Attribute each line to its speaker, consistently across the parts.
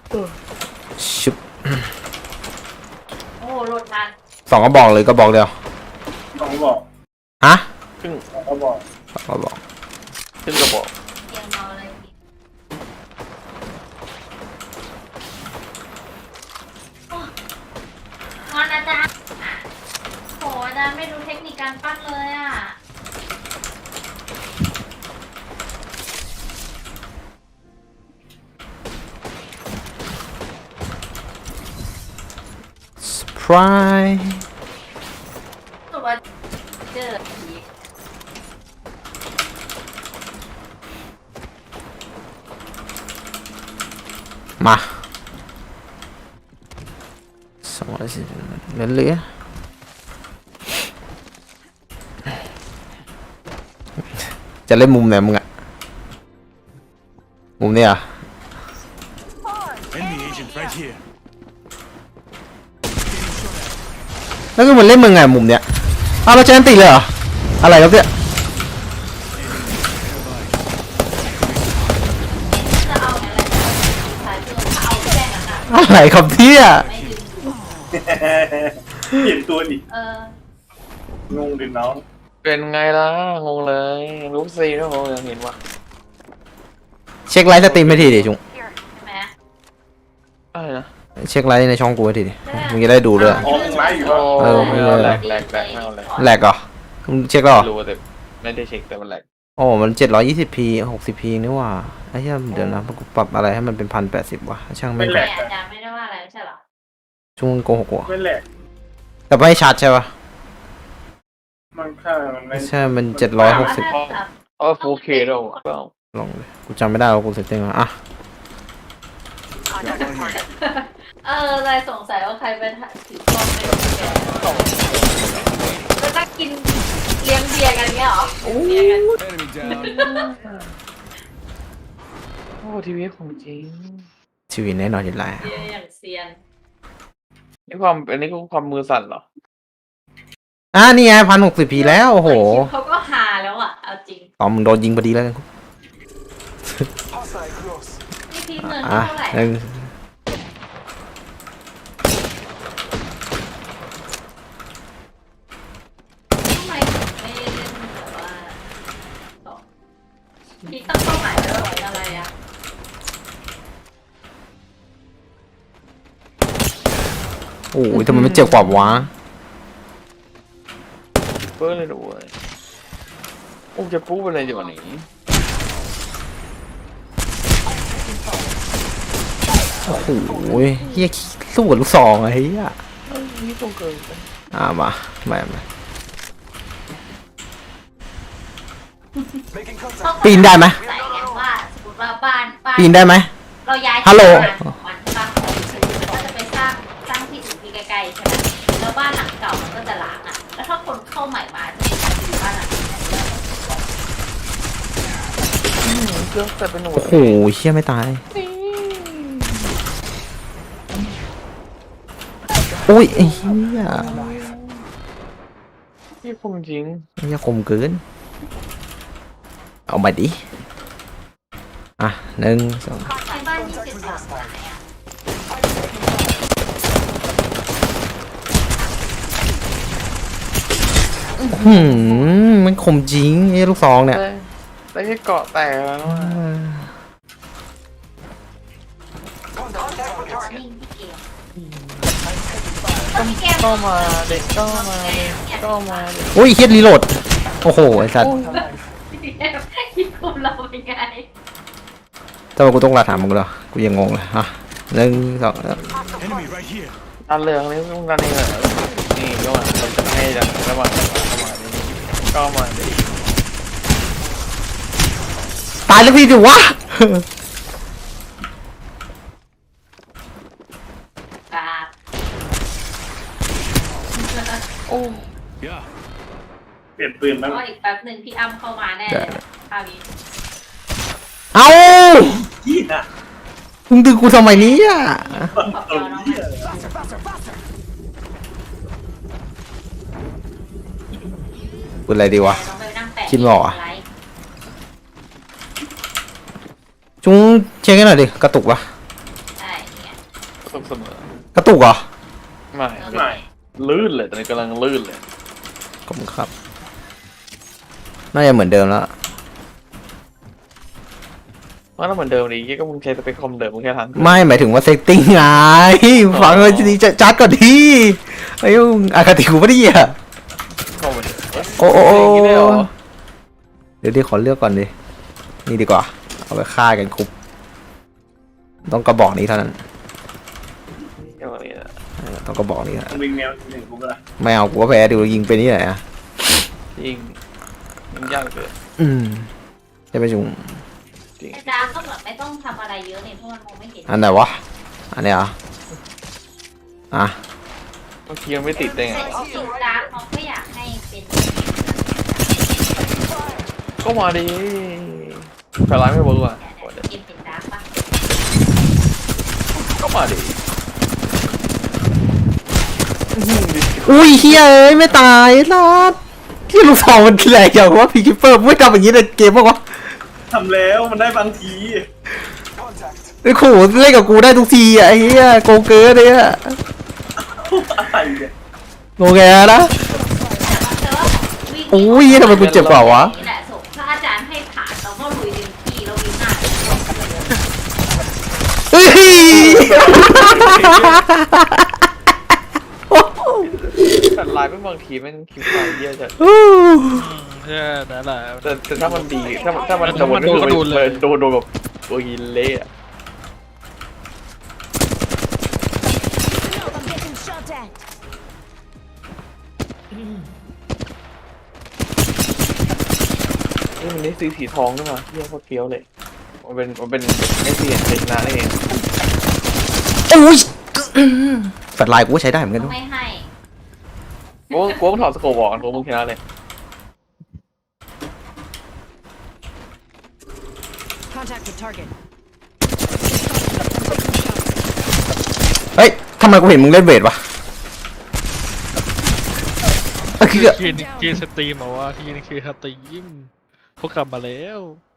Speaker 1: ชุบ
Speaker 2: โอ้โหโหลดทัน
Speaker 1: สองก็บอกเลยก็บอกเดียว
Speaker 3: ต้องบอก
Speaker 1: ฮะ
Speaker 4: ครึ่ง
Speaker 3: ต้องบอก
Speaker 1: สองก็บอก
Speaker 4: ครึ่งกระบอก
Speaker 2: เตรียมรอเลยโอ้งอนอาจารย์โหอาจารย์ไม่รู้เทคนิคการปั้นเลยอ่ะ
Speaker 1: เซอร์ไพรส์
Speaker 2: ตัวเจอผี
Speaker 1: มา240เหลือจะเล่นมุมไหนมึงอะมุมนี้อ่ะ
Speaker 5: Enemy agent right here.
Speaker 1: แล้วก็มันเล่นมึงไงมุมเนี้ยอ้าวเราเจออันติเลยเหรออะไรครับเนี่ย
Speaker 2: จะเอาอะไรสายเจอถ้าเอาแค่นั้นอ่ะ
Speaker 1: อะไรครับพี่อะ
Speaker 2: ไม่ดึง
Speaker 3: เปลี่ยนตัวดิ งงดิน้อง
Speaker 4: เป็นไงล่ะงงเลยรู้สินะผมยังเห็นว่า
Speaker 1: เช็คไลฟ์สตรีมให้ทีดิจุง
Speaker 2: ใช่ไหม
Speaker 4: อะไรนะ
Speaker 1: เช็คไลฟ์ในช่องกูให้ทีดิมึงจะได้ดูเลย
Speaker 3: อ๋อมึงไลฟ์อยู่
Speaker 4: โอ้
Speaker 3: วะ
Speaker 4: ไม่เอาแหลกไม่เอาแหลก
Speaker 1: แหลกเหรอมึงเช็คแล้วเหรอ
Speaker 4: รู้แต่ไม่ได้เช็คแต่มันแหลก
Speaker 1: โอ้มัน720p 60p นี่ว่าไอ้เหี้ยเดี๋ยวนะกูปรับอะไรให้มันเป็น1080วะช่างไม่ง
Speaker 2: แต่อาจารย์ไม่ได้ว่าอะไรไม่ใช่หรอ
Speaker 1: จุงโกหกว่ะ
Speaker 3: ไม่แหลก
Speaker 1: แต่ไม่ชัดใช่ปะ
Speaker 3: มันค่ามันไม่
Speaker 1: ใช่มัน760
Speaker 4: 4K แล้วเปล่า
Speaker 1: ลองเลยกูจำไม่ได้ว่ากูเซตติ้งมาอ่ะ
Speaker 2: อะไรสงสัยว่าใครเป็นถือกล้องไม่รู้แกแล้วก็กินเลี้ยงเบียร์กันเงี้ยเหรอเบียร์กัน
Speaker 5: Enemy down.
Speaker 4: โอ้ทีวีของจริง
Speaker 1: ชีวิตแน่นอนอยู่แล้ว
Speaker 2: เบียร์อย่างเซียน
Speaker 4: นี่ความอันนี้ก็ความมือสั่นเหรอ
Speaker 1: นี่ไง1060p แล้วโอ้โห
Speaker 2: เขาก็หาแล้วอ่ะเอาจริง
Speaker 1: ตอมมึงโดนยิงพอดีแล้วกัน
Speaker 5: Hostile close.
Speaker 2: นี่พี่เงิน
Speaker 1: อ่ะ
Speaker 2: เท่าไหร่
Speaker 1: หนึ่ง
Speaker 2: ทำไมถึงไม่เล่นแบบว่าต่อพี่ตั้งเป้าหมายไว้ว่าอะไรอ่ะ
Speaker 1: โอ้ยทำไมมันเจ็บกว่าวะ
Speaker 4: เปิ้ลเลยด้วยโอ้จะปู้อะไรอยู่วันนี้
Speaker 1: โอ้โหเฮียสู้กับลูกซองไอ้เหี้ย
Speaker 4: นี่ตรงเกินไป
Speaker 1: มาไม่
Speaker 5: Making
Speaker 2: ต้อง
Speaker 5: contact.
Speaker 1: ปีนได้ไหม
Speaker 2: ใส่ไงว่าสมมติว่าบ้าน
Speaker 1: ปีนได้ไหม
Speaker 2: เราย้าย
Speaker 1: ฮัลโหล
Speaker 2: ที่ทำงานของมันใช่ปะแล้วก็จะไปสร้างที่อื่นที่ใกล้ๆใช่ไหมแล้วบ้านหลังเก่ามันก็จะล้างอ่ะ แล้วถ้าคนเข้าใหม่มาจะอยู่บ้านหลังนี้
Speaker 4: เครื่องแต่เป็นหนู
Speaker 1: โอ้โหเชี่ยไม่ตายโอ้ยไอ้เหี้ย
Speaker 4: ที่คงจริง
Speaker 1: ไอ้เหี้ยคมเกินเอาไปดิ1 2
Speaker 2: ในบ้าน23หมายอ่ะ
Speaker 1: มันคมจริงไอ้ลูกซองเนี่ย
Speaker 4: แต่แค่เกาะแตกแล้ว
Speaker 2: นิ่งพี่เกมก็มีแก้ม
Speaker 4: ก็มาเด็กก็มาเด็กก็มาเด็ก
Speaker 1: โอ้ยเฮียรีโหลดโอ้โหไอ้สัตว์
Speaker 2: พี่แก้มคิดคุมเราเป็นไง
Speaker 1: ทำไมกูต้องลาถามมึงเหรอกูยังงงเลย1 2
Speaker 5: Enemy right here.
Speaker 4: ดันเลยครั้งนี้ต้องดันเองเหรอนี่ก็มาเราจะให้ดันระหว่างก็มาเด็ก
Speaker 1: ตายแล้วพี่ดิวะ
Speaker 2: กราบ
Speaker 4: โอ้
Speaker 5: Yeah.
Speaker 3: เปลี่ยนปืนบ้าง
Speaker 2: ก็อีกแป๊บหนึ่งพี่อ้ำเข้ามาแน่คราวนี้
Speaker 1: เอ้า
Speaker 3: ยี่น่ะ
Speaker 1: มึงดึงกูทำไมเนี้อ่ะ
Speaker 2: ขอบยอน้อง
Speaker 3: เหี้ย
Speaker 1: พูดอะไรดีวะ
Speaker 2: น้องไปนั่งแปะ
Speaker 1: คิดไม่ออกอะ
Speaker 2: ไลฟ์
Speaker 1: จุงเช็คให้หน่อยดิกระตุกวะ
Speaker 2: ใช่ไง
Speaker 1: กระตุกเหรอ
Speaker 4: ไม่
Speaker 3: ไม่
Speaker 4: ลื่นเลยตอนนี้กำลังลื่นเลย
Speaker 1: ขอบคุณครับน่าจะเหมือนเดิมแล้ว
Speaker 4: ว่าถ้าเหมือนเดิมดีก็มึงใช้สเปคคอมเดิมมึงแค่ทัน
Speaker 1: ไม่หมายถึงว่าเซตติ้งไงฟังเลยดีจัดก่อนทีไอ้ยุ่งอคติกูไม่ได้อ่ะ
Speaker 4: คอมเหมือนเดิม
Speaker 1: โอ้โอ้โอ้
Speaker 4: ย่างนี้ได้เหรอ
Speaker 1: เดี๋ยวขอเลือกก่อนดินี่ดีกว่าเอาไปฆ่ากันคุบต้องกระบอกนี้เท่านั้น
Speaker 4: อย่างนี้นะ
Speaker 1: ต้องกระบอกนี้เท่านั้น
Speaker 3: วิ่งแนวหนึ่งกูก็ละ
Speaker 1: ไม่เอากูว่าแพ้ดูยิงไปนี่ไหนอ่ะ
Speaker 4: จริงมันยากเกิน
Speaker 1: จะไปจุง
Speaker 4: จริง
Speaker 2: ไอ้ดาก็แบบไม่ต้องทำอะไรเยอะเนี่ยเพราะมันมองไม่เห็น
Speaker 1: อันไหนวะอันนี้เหรออ่ะ
Speaker 4: เมื่อกี้ยังไม่ติดได้ไง
Speaker 2: แต่จริงๆดาเขาก็อยากให้เป็น
Speaker 4: ก็มาดิแต่ร้ายไม่เวิร์กว่ะ
Speaker 2: เกมเป็นดาร์กปะ
Speaker 4: ก็มาดิ
Speaker 1: อุ้ยเฮียเอ้ยไม่ตายลาดที่ลูกสองมันแหลกอย่างว่าพีคิปเปอร์ไม่ทำอย่างนี้ในเกมบ้างวะ
Speaker 3: ทำแล้วมันได้บางที
Speaker 1: ไอ้โขเล่นกับกูได้ทุกทีอ่ะไอ้เฮียโกงเกินเลยอ่ะ
Speaker 3: อะไรเนี่ย
Speaker 1: โงแงนะ
Speaker 2: แต่ว่าวิ่ง
Speaker 1: โอ้ยทำไมกูเจ็บเปล่าวะ
Speaker 2: นี่แหละส่งถ้าอาจารย์ให้ผ่านเราก็ลุยเต็มที่เราวิ่งหน้า
Speaker 1: เฮ้ย
Speaker 4: แต่ร้ายไม่บางทีแม่งคิวไฟเยอะจัด
Speaker 6: ใช่นั่นแหละ
Speaker 4: แต่ถ้ามันดีถ้ามัน
Speaker 6: ถ้ามันโดนก็โดนเลย
Speaker 4: โดนแบบโอ้ยเละอะ
Speaker 7: I'm getting shot at.
Speaker 4: นี่มันได้ซื้อสีทองด้วยมาเยี่ยโคตรเฟี้ยวเลยมันเป็นไม่เสียนเป็นนาเอง
Speaker 1: โอ้ยแฟลชไลน์กูก็ใช้ได้เหมือนกันด้วย
Speaker 2: ไม่ให้
Speaker 4: กูต้องถอดสโคปออกกันกูมึงชนะเลย
Speaker 7: Contact with target.
Speaker 1: เฮ้ยทำไมกูเห็นมึงเล่นเวทวะคือ
Speaker 6: กินสตรีมเหรอวะกินคือสตรีมเขากลับมาแล้ว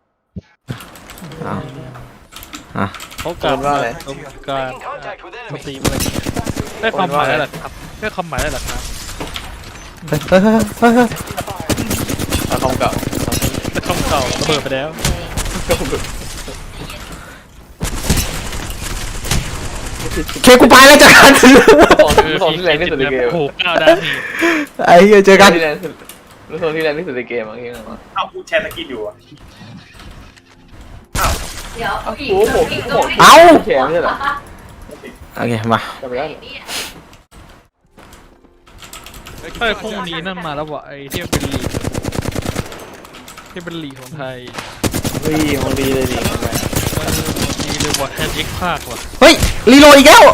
Speaker 6: เขากลับมาต้องการสตรีมอะไรได้ความหมายแล้วเหรอครับได้ความหมายแล้วเหรอครับ
Speaker 4: เอาทองเก่า
Speaker 6: ได้คำเก่าระเบิดไปแล้ว
Speaker 1: เคกูไปแล้วเจอกัน
Speaker 4: ทองที่แรงที่สุดในเกม
Speaker 6: โอ้โหก้าวได้นี่
Speaker 1: ไอ้เหี้ยเจอกัน
Speaker 4: ที่แรงที่สุดรู้ทองที่แรงที่สุดในเกมอ่ะที่นั่น
Speaker 3: เอากูแชร์สกินอยู่อ่ะ
Speaker 2: เดี๋ยว
Speaker 4: โอ้
Speaker 2: อีก
Speaker 4: โห
Speaker 2: อีก
Speaker 1: เอ้า
Speaker 4: แขนไม่ใช่เหรอ
Speaker 1: โอเคมา
Speaker 4: จำไม่ได้
Speaker 6: ไอ้พวกนี้นั่นมาแล้ววะไอ้ที่เป็นลีกที่เป็นลีกของไทย
Speaker 4: มันดีเลยดิ
Speaker 6: มันดีเลยว่ะแทนเอ็กภาคว่ะ
Speaker 1: เฮ้ยรีโหลดอีกแล้ว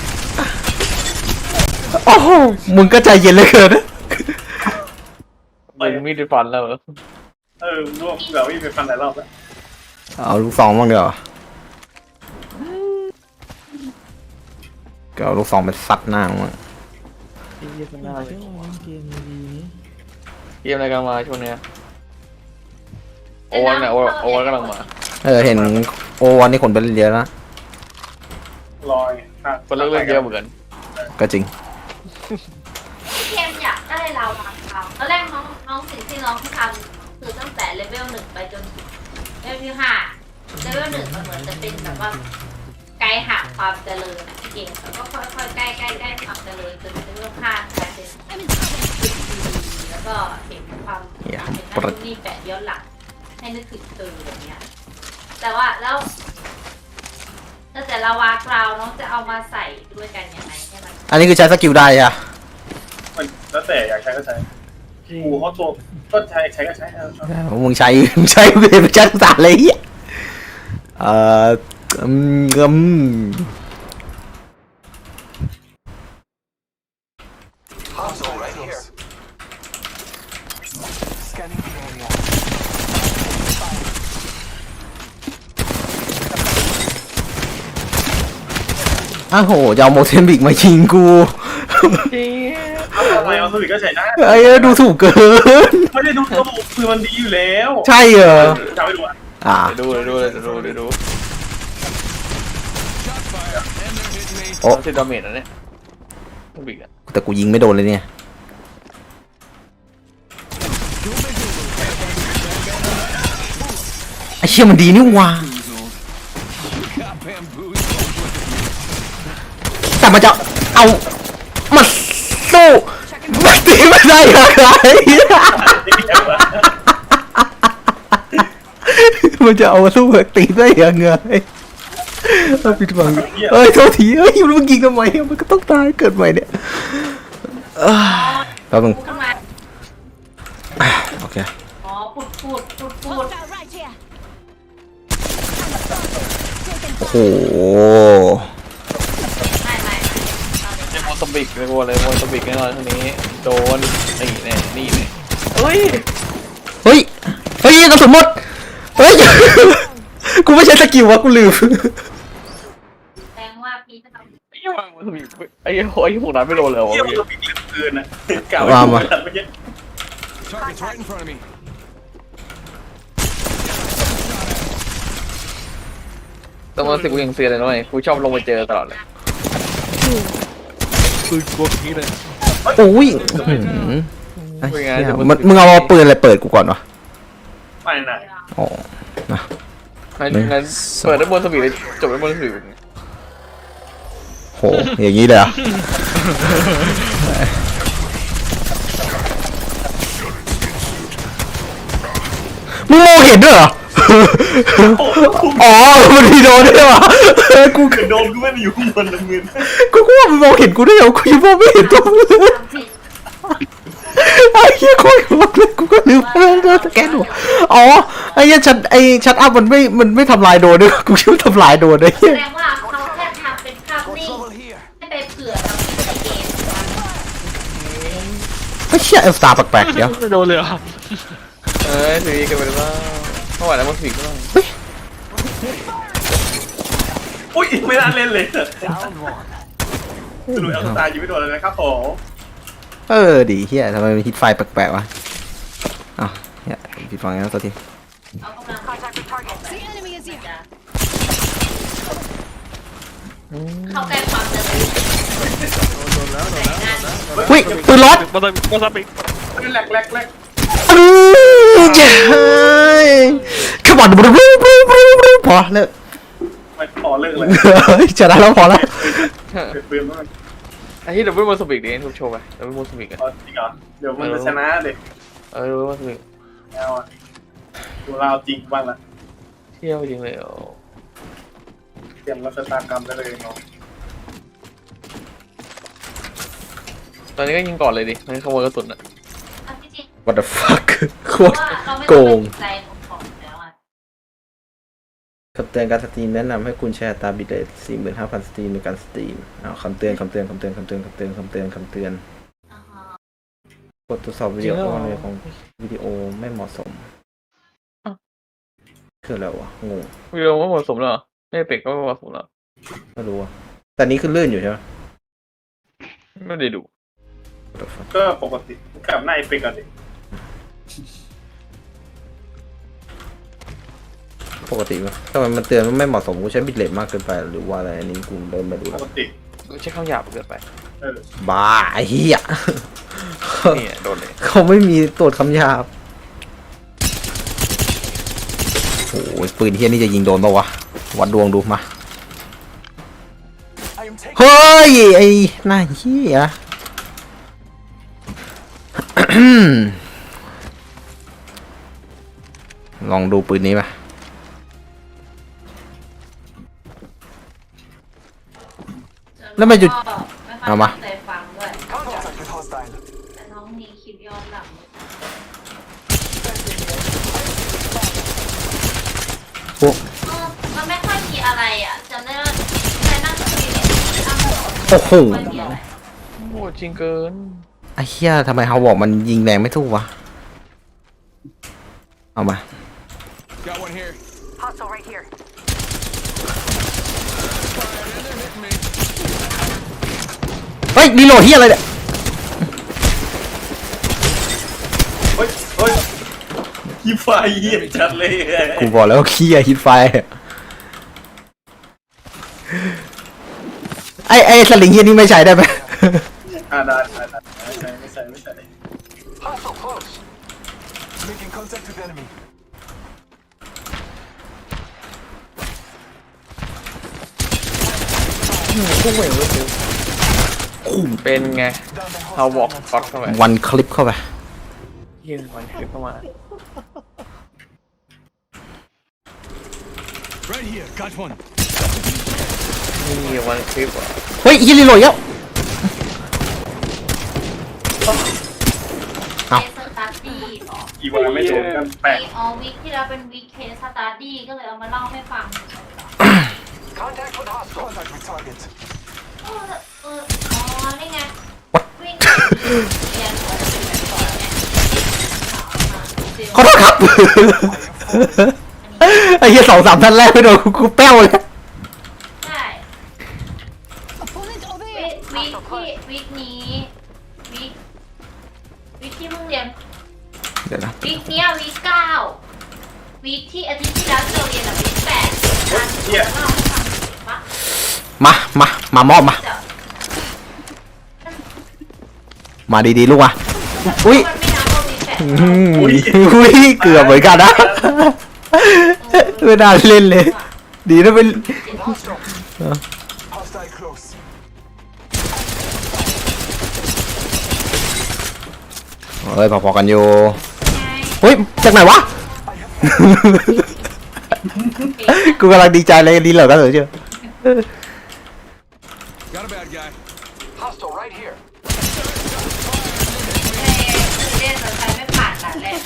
Speaker 1: โอ้โหมึงก็ใจเย็นเหลยเกินนะ
Speaker 4: มันมีดฟันแล้วเหรอ
Speaker 3: รวมเดี๋ยววิ่งไปฟันหลายรอบแล้ว
Speaker 1: เอาลูกซองบ้างเดี๋ยวก็เอาลูกซองไปซัดหน้ามึง
Speaker 4: เกมอะไรกันมาช่วงเนี้ยโอวันเนี่ยโอวันกำลังมา
Speaker 1: เห็นโอวันนี้คนไปเล่นเยอะแล้ว
Speaker 3: ลอย
Speaker 4: คนเลิกเล่นเยอะเหมือนกัน
Speaker 1: ก็จริง
Speaker 2: เกมอยากได้เราทำเขาตอนแรกน้องสิ่งที่น้องเขาทำคือตั้งแต่เลเวล 1ไปจนเลเวล 5เลเวล 1มันเหมือนจะเป็นแบบว่าไกด์หาความเจริญเกมแล้วก็ค่อยๆใกล้ความเจริญจนเลเวล 5กลายเป็นแล้วก็เห็นความเป็นนั่นนี่แปะย้อนหลังให้นึกถึงตัวอย่างเงี้ยแต่ว่าแล้วแต่ละวากราวน้องจะเอามาใส่ด้วยกันยังไงใช่ไหม
Speaker 1: อันนี้คือใช้สกิลได้อะ
Speaker 3: มันแล้วแต่อยากใช้ก็ใช้กูเขาตัวก็ใช้ก็ใช้
Speaker 1: มึงใช้เวทไม่ใช้ภาษาอะไรอ่ะอืม อ้าวโหจะเอาโมเซนบิกมายิงกู
Speaker 3: อะไรเอาสวิตก็ใช้ได้
Speaker 1: ไอ้ดูถูกเกิน
Speaker 3: ไม่ได้ดูระบบคือมันดีอยู่แล้ว
Speaker 1: ใช่เหรอ
Speaker 3: จำไม่ดูอ่ะ
Speaker 4: ดู
Speaker 1: โอ้
Speaker 4: 30 ดาเมจแล้วเนี่ยลูกบิกอะ
Speaker 1: แต่กูยิงไม่โดนเลยเนี่ยไอ้เชี่ยมันดีนี่หว่าแต่มันจะเอามาสู้มันตีไม่ได้ยังไงมันจะเอามาสู้แบบตีได้ยังไงเอาปิดบังเอ้ยโทษทีเอ้ยมันยิงทำไมมันก็ต้องตายเกิดใหม่เนี่ยแป๊บนึง
Speaker 2: ขึ้นมา
Speaker 1: โอเค
Speaker 2: อ๋อปุด
Speaker 7: Hostile right here.
Speaker 1: โอ้โห
Speaker 2: ไม่
Speaker 4: เรียกโมโตบิกเลยโว้ยเลยโมโตบิกแน่นอนทีนี้โดนนี่แน่นี่แน่เฮ้ย
Speaker 1: เฮ้ยเฮ้ยกระสุนหมดเฮ้ย กูไม่ใช่สกิลวะกูลืม
Speaker 2: แสดงว่าพี่จะทำ
Speaker 4: ไอ้เหี้ยโมโตบิกไอ้เหี้ยโอ้ยพวกนั้นไม่โดนเลย
Speaker 3: เยี่ยม
Speaker 4: วะ
Speaker 3: ตัวบิ๊กเหลือเกินนะกล่าว
Speaker 1: ว่ามา
Speaker 3: เมื่อกี้
Speaker 5: Target's right in front of me.
Speaker 4: แต่โมโตบิกกูยังเสียเลยนะเว้ยกูชอบลงไปเจอตลอดเลย
Speaker 6: ปืนกลัวนี้เลย
Speaker 1: โอ้ยไอ้เหี้ยมึงเอาปืนอะไรเปิดกูก่อนวะ
Speaker 3: ไม่นะ
Speaker 1: อ๋อนะ
Speaker 4: งั้นเปิดได้โมโตบิกเลยจบได้โมโตบิก
Speaker 1: โหอย่างนี้เลยเหรอ่ะมึงมองเห็นด้วยเหรอ อ๋อมันมีโดนด้วยวะกู
Speaker 3: คือโดนกูไม่ได้อยู่ข้างบนน้ำเงิน
Speaker 1: กูว่ามันมองเห็นกูได้เหรอกูยังมองไม่เห็นตัวมึง
Speaker 2: ทำผิด
Speaker 1: ไอ้เหี้ยโคตรมากเลยกูก็ลืมสแกนหัวอ๋อไอ้เหี้ยชัดอัพมันไม่ทำลายโดนด้วยกูคิดว่าทำลายโดนเลย
Speaker 2: แสดงว่าเขาแค่ทำเป็นภาพนิ่ง
Speaker 5: Trouble here.
Speaker 2: ให้ไปเผื่อเราในเกม
Speaker 1: ไอ้เชี่ยเอลสตาร์แปลกๆเดี๋ยว
Speaker 6: ไม่โดนเลยเหรอ
Speaker 4: เอ้ยสีกันไปเลยว่าเมื่อวานแล้วโมโตบิกก็ต้อง
Speaker 3: อุ้ยไม่น่าเล่นเลยสรุปเอาตายยิงไม่โดนเลยนะครับผม
Speaker 1: ดีเฮียทำไมมีฮิตไฟแปลกๆวะอ้าวเฮียผิดฟังงั้นตัวที
Speaker 2: เอากำลัง
Speaker 7: The enemy is here.
Speaker 2: เข้าใกล้ความเจริญ
Speaker 1: อุ้ยปืนรถ
Speaker 6: มาซับอีก
Speaker 3: แรก
Speaker 1: เย้ขบวนบรูพอเลิก
Speaker 3: ไม่พอเลิกเลย
Speaker 1: ชนะแล้วพอแล้ว
Speaker 3: เปลี่ยนมาก
Speaker 4: ไอ้ที่ดับเบิลโมโตบิกดิทุกโชว์ไปดับเบิลโมโตบิกอะ
Speaker 3: จริงเหรอเดี๋ยวมันจะชนะเด็ก
Speaker 4: ดับเบิลโมโตบิก
Speaker 3: เอาอ่ะดูเราจริงบ้างละ
Speaker 4: เที่ยวจริงเลยอ๋อ
Speaker 3: เตรียมรัชตากรรมได้เลยเนาะ
Speaker 4: ตอนนี้ก็ยิงก่อนเลยดิไม่ขโมยกระสุนอะ
Speaker 2: เอาที่จริง
Speaker 1: What the fuck โค
Speaker 2: เพราะ
Speaker 1: ตร
Speaker 2: ว่าเขาไม่
Speaker 1: โก
Speaker 2: ต้อง
Speaker 1: ง
Speaker 2: ไปใจของแล้วอ่ะ
Speaker 1: คำเตือนการสตรีมแนะนำให้คุณแชร์ตามบิตเรท 45,000 สตรีมในการสตรีมคำเตือนกดทดสอบวิดีโอของวิดีโอไม่เหมาะสมคืออะไรวะงง
Speaker 4: วิดีโอไม่เหมาะสมเหรอไม่เป็กก็ไม่เหมาะสมเหรอ
Speaker 1: ไม่รู้อะแต่นี้คือลื่นอยู่ใช่ไหม
Speaker 4: ไม่ได้ดู
Speaker 1: What the fuck
Speaker 3: ก็ปกติกลับหน้าเอฟเฟกต์ก่อนดิ
Speaker 1: ปกติไหมทำไมมันเตือนว่าไม่เหมาะสมกูใช้บิตเรทมากเกินไปหรือว่าอะไรอันนี้กูเริ่มไม่รู้
Speaker 3: ป
Speaker 1: แล้ว
Speaker 3: กติ
Speaker 4: ใช้คำหยาบเกินไป
Speaker 1: บ้าไอ้เหี้ย
Speaker 4: นี่โดนเลย
Speaker 1: เขาไม่มีตรวจคำหยาบโอ้ยปืนเฮียนี่จะยิงโดนปะวะวัดดวงดูมา
Speaker 5: I am taking.
Speaker 1: เฮ้ยไอ้หน้าเหี้ย ลองดูปืนนี้ป่ะ แล้วมันหยุด เอามา
Speaker 2: ใจฟังด้วย
Speaker 5: Contact with hostile.
Speaker 2: แต่น้องมีคลิปย้อนหลัง
Speaker 1: พวก
Speaker 2: มันไม่ค่อยมีอะไรอ่ะจำได้ว่าแค่นั่งคุยในอ้ำ
Speaker 1: โอ้โห
Speaker 2: ไม่มีอะไร
Speaker 4: โอ้จริงเกิน
Speaker 1: ไอ้เหี้ยทำไมเขาบอกมันยิงแรงไม่ถูกวะ เอามา
Speaker 5: Got one here.
Speaker 7: Hostile right here.
Speaker 1: เฮ้ยรีโหลดเหี้ยอะไรเนี่ย
Speaker 3: เฮ้ยยี่ไฟเหี้ยจัดเลย
Speaker 1: กูบอกแล้วว่าขี้ยฮิตไฟไอสลิงเฮียนี่ไม่ใช้ได้ไหม
Speaker 3: ได้ไม่ใส่
Speaker 5: Hostile close. Making contact with enemy.
Speaker 4: เป็นไง
Speaker 5: Down the
Speaker 4: เอาบอก
Speaker 5: hostile.
Speaker 4: ก๊อตเข้าไป
Speaker 1: วันคลิปเข้าไป
Speaker 4: ยื่นวันคลิปเข้ามา
Speaker 5: Right here. Got one.
Speaker 4: นี่วันคลิปอ่ะ
Speaker 1: เฮ้ยฮีรีโหลดแล้ว
Speaker 2: เคสสตาร์ดี้หรอ
Speaker 3: อีวันไม่โดนกันแปลก
Speaker 2: อ๋อวิกที่แล้วเป็นวิกเคสสตาร์ดี้ก็เลยเอามาเล่าให้ฟัง
Speaker 5: Contact with hostile. Contact with target.
Speaker 2: อ๋อนี่ไงวิ่งเรียนหัวจะเป็นแบบก่อนเนี่ย
Speaker 1: ขอโทษครับ ไอ้เหี้ย2-3ท่านแรกไม่โดนกูแป้วเลย
Speaker 2: ใช่
Speaker 7: Opponent over
Speaker 2: วิ
Speaker 7: here.
Speaker 2: ที่วิกนี้วิกที่มึงเรียน
Speaker 1: เดี๋ยวนะ
Speaker 2: วิกเนี้ยวิก9วิกที่อาทิตย์ที่แล้วที่เราเรียนอะวิก8การเล่าให้ฟังปะ
Speaker 1: มามอบมา
Speaker 2: เดี๋ยว
Speaker 1: มาดีๆลูกมาอุ้ย
Speaker 2: มันไม่นับว่าวิก8
Speaker 1: อุ้ยเกือบเหมือนกันนะไม่น่าเล่นเลย ดีนะเป็น
Speaker 5: Hostile. Hostile close.
Speaker 1: เฮ้ยพอๆกันอยู่เฮ้ยจากไหนวะ กูกำลังดีใจเลยดีเหรอก็เถอะเชียว
Speaker 5: Got a bad guy. Hostile right here.
Speaker 2: เล่นแต่ใครไม่ผ่านด่านแรก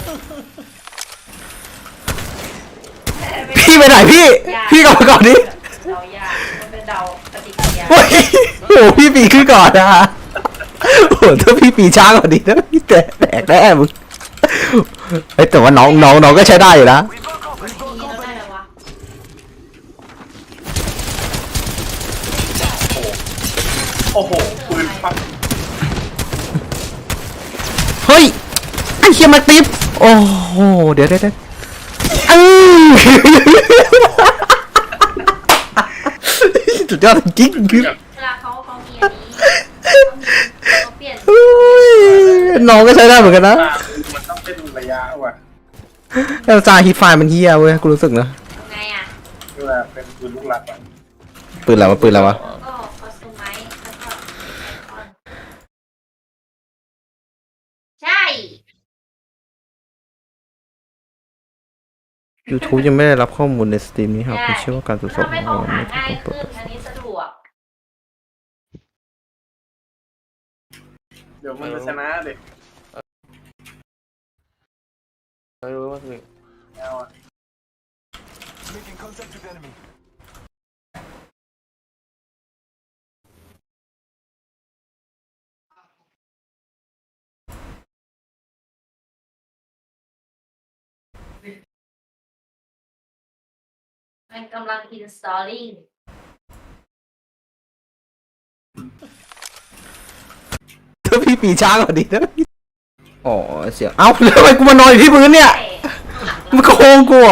Speaker 1: พี่ไปไหนพี่กลับมาก่อนดิ
Speaker 2: เดายากมันเป็นเดาปฏิกิริยา
Speaker 1: โอ้ยโอ้พี่ปีขึ้นก่อนนะโอ้ถ้าพี่ปีช้ากว่านี้นะพี่แตกแน่มึงเฮ้ยแต่ว่าน้องก็ใช้ได้อยู่นะ
Speaker 5: We broke off. We
Speaker 2: ที
Speaker 5: broke
Speaker 2: นี้
Speaker 5: off.
Speaker 2: เราได้แล้ววะ
Speaker 3: โอ้โหปืนปัก
Speaker 1: เฮ้ยไอ้เชี่ยมาติ๊บโอ้โหเดี๋ยวสุดยอดจริงคือ
Speaker 2: เวลาเขามีอันนี้เขาเปลี่ยน
Speaker 1: น้องก็ใช้ได้เหมือนกันนะ
Speaker 3: มันต้องเป็นระยะว่ะ
Speaker 1: แล้วจาฮิตไฟมันเฮียเว้ยกูรู้สึกนะ
Speaker 2: ไงอ่ะ
Speaker 3: เวลาเป็นปืนลูกหลักอ่ะ
Speaker 1: ปืนอะไรวะปืนอะไรวะ
Speaker 2: แล้วก็คอสตูมไมซ์แล้วก็ไอคอนใช่
Speaker 1: YouTube ยังไม่ได้รับข้อมูลในสตรีมนี้ครับคุณเชื่อว่าการตรวจสอบ
Speaker 2: ทำให้
Speaker 1: ของ
Speaker 2: เขา
Speaker 1: เรา
Speaker 2: หา
Speaker 1: ไม่ถูก
Speaker 2: ง่าย
Speaker 1: ต้องเปิ
Speaker 2: ขึ้
Speaker 1: ด
Speaker 2: นอันนี้สะดวก
Speaker 3: เดี๋ยวมันจะชนะเด็ก
Speaker 4: ไม่รู้ว่าคือ
Speaker 3: เอาอ่ะ
Speaker 5: Making contact with enemy.
Speaker 2: มันกำลัง installing
Speaker 1: ถ้าพี่ปีช้ากว่านี้นะอ๋อเสียเอ้าแล้วทำไมกูมานอนอยู่ที่พื้นเนี่ย
Speaker 2: ใช่
Speaker 1: มันโกงกู